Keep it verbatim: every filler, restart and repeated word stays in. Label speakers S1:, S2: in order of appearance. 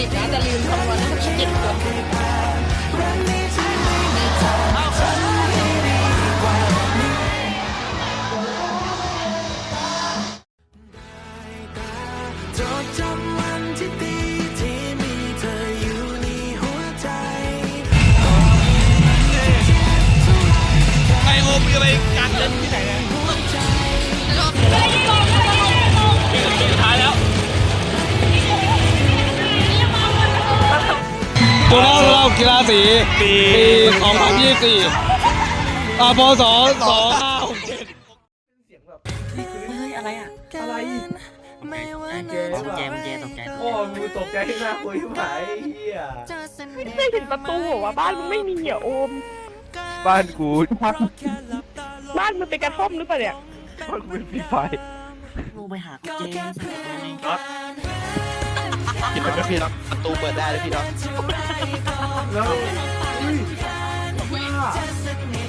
S1: ดิตนะแต่ลืมคำนวณให้เจ็ดคน
S2: ไอโอมมีอะไรการเล่นที่ไหนเนี่ยสุดท้ายแล้ว
S3: ตัวเล่าเรากีฬาสีปีสองพันยี่สิบสี่อ่าพศสองห้าหกเจ็ด
S4: เฮ้ยอะไรอ่ะ
S5: อะไร
S4: เจมเจมเจตกใจ
S5: โอ้มึงตกใจหน้าคุยไหมเฮีย
S1: ไม่เคยเห็นประตูเหรอวะบ้านมึงไม่มีเหรอโอม
S2: บ้านกู
S1: บ้านมึงเป็นกระท่อมหรือเปล่าเนี่ย
S2: บ้านกูเป็นฟรีไฟ
S4: ลูกไปหาเจม
S2: น็อตคิดว่าพี่น็อตประตูเปิดได้เลยพี่น็อต
S5: แล้วอุ้ยว่า